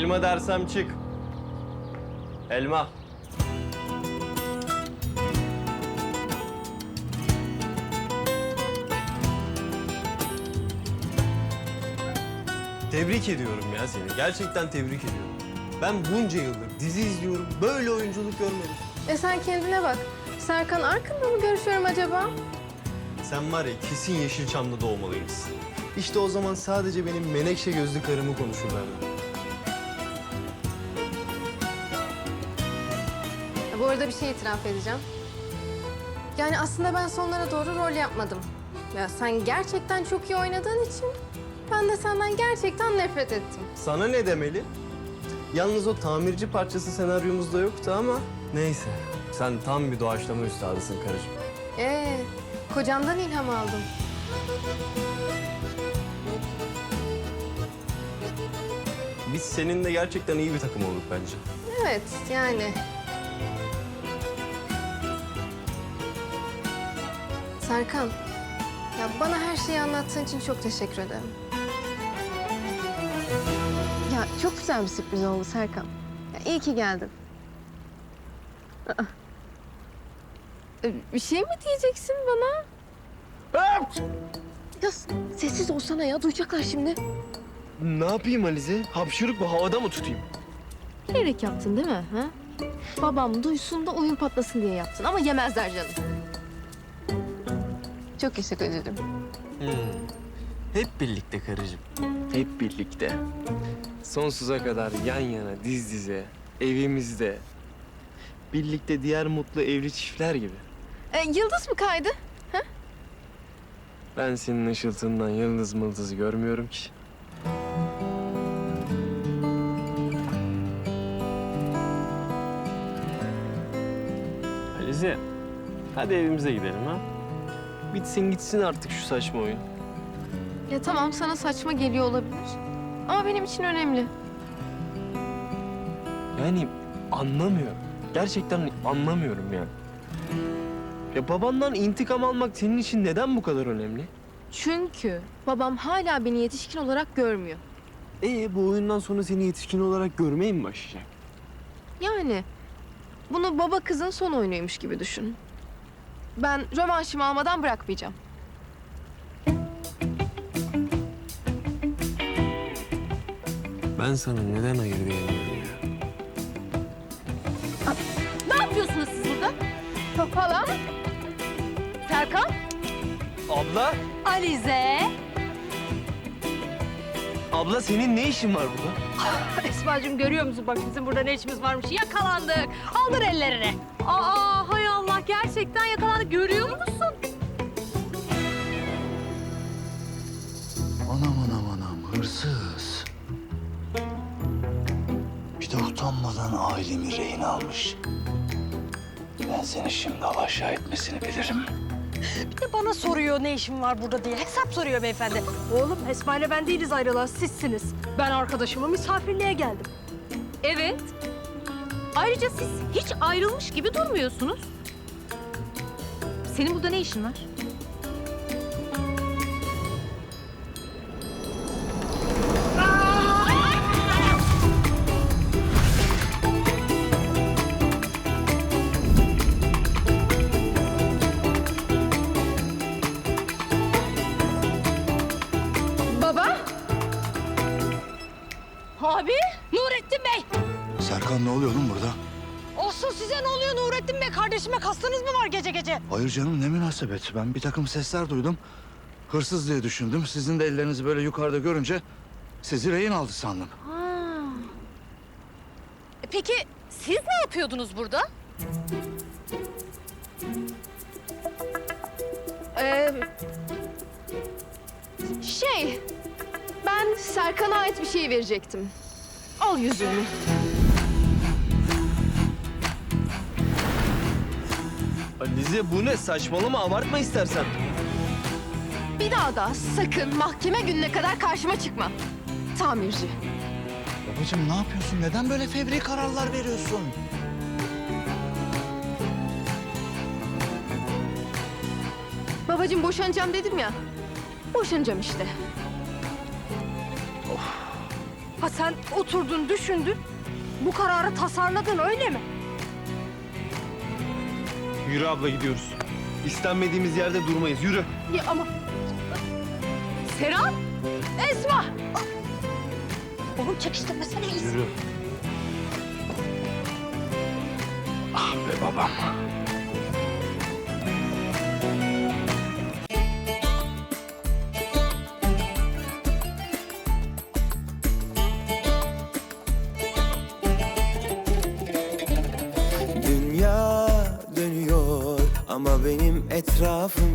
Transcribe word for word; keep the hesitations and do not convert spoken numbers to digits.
Elma dersem çık. Elma. Tebrik ediyorum ya seni. Gerçekten tebrik ediyorum. Ben bunca yıldır dizi izliyorum. Böyle oyunculuk görmedim. E sen kendine bak. Serkan Arkın'la mı görüşüyorum acaba? Sen var ya kesin Yeşilçam'da doğmalıymışsın. İşte o zaman sadece benim menekşe gözlü karımı konuşurlardı. Ya bu arada bir şey itiraf edeceğim. Yani aslında ben sonlara doğru rol yapmadım. Ya sen gerçekten çok iyi oynadığın için ben de senden gerçekten nefret ettim. Sana ne demeli? Yalnız o tamirci parçası senaryomuzda yoktu ama neyse. Sen tam bir doğaçlama üstadısın karıcığım. Ee, kocamdan ilham aldım. Biz seninle gerçekten iyi bir takım olduk bence. Evet, yani. Serkan, ya bana her şeyi anlattığın için çok teşekkür ederim. Ya çok güzel bir sürpriz oldu Serkan. Ya iyi ki geldin. Aa. Ee, Bir şey mi diyeceksin bana? Ya sessiz olsana ya, duyacaklar şimdi. Ne yapayım Alize? Hapşırık bu, havada mı tutayım? Bilerek yaptın değil mi? Ha? Babam duysun da oyun patlasın diye yaptın ama yemezler canım. Çok teşekkür ederim. Hmm. Hep birlikte karıcığım. Hep birlikte. Sonsuza kadar yan yana, diz dize, evimizde. Birlikte diğer mutlu evli çiftler gibi. Ee, yıldız mı kaydı? Ben senin ışıltından yıldız mıldız görmüyorum ki. Alize, hadi evimize gidelim ha. Bitsin gitsin artık şu saçma oyun. Ya tamam, sana saçma geliyor olabilir. Ama benim için önemli. Yani anlamıyorum. Gerçekten anlamıyorum yani. Ya babandan intikam almak senin için neden bu kadar önemli? Çünkü babam hala beni yetişkin olarak görmüyor. Ee bu oyundan sonra seni yetişkin olarak görmeye mi başlayacak? Yani bunu baba kızın son oyunuymuş gibi düşün. Ben rövanşımı almadan bırakmayacağım. Ben sana neden hayır diyemiyorum ya? Ne yapıyorsunuz siz burada? Hala? Serkan? Abla, Alize. abla senin ne işin var burada? Esma'cığım görüyor musun bak bizim burada ne işimiz varmış. Yakalandık. Aldır ellerini. Aa hay Allah gerçekten yakalandık. Görüyor musun? Anam anam anam hırsız. Bir de utanmadan ailemi rehin almış. Ben seni şimdi alaşağı etmesini bilirim. Bir de bana soruyor ne işim var burada diye. Hesap soruyor beyefendi. Oğlum Esma ile ben değiliz ayrılan sizsiniz. Ben arkadaşımı misafirliğe geldim. Evet. Ayrıca siz hiç ayrılmış gibi durmuyorsunuz. Senin burada ne işin var? Baba? Abi Nurettin Bey. Serkan ne oluyor oğlum burada? Olsun size ne oluyor Nurettin Bey? Kardeşime kastınız mı var gece gece? Hayır canım ne münasebet. Ben bir takım sesler duydum. Hırsız diye düşündüm. Sizin de ellerinizi böyle yukarıda görünce sizi rehin aldı sandım. E Peki siz ne yapıyordunuz burada? Ee, şey, ben Serkan'a ait bir şey verecektim. Al yüzüğünü. Alize bu ne? Saçmalama, abartma istersen. Bir daha da sakın mahkeme gününe kadar karşıma çıkma. Tamirci. Babacığım ne yapıyorsun? Neden böyle fevri kararlar veriyorsun? Babacığım boşanacağım dedim ya. Boşanacağım işte. Ha sen oturdun, düşündün. Bu kararı tasarladın, öyle mi? Yürü abla, gidiyoruz. İstenmediğimiz yerde durmayız. Yürü. Ya ama... Serap! Esma! Oğlum çekiştirmesene. Yürü. Ah be babam. Dünya dönüyor ama benim etrafım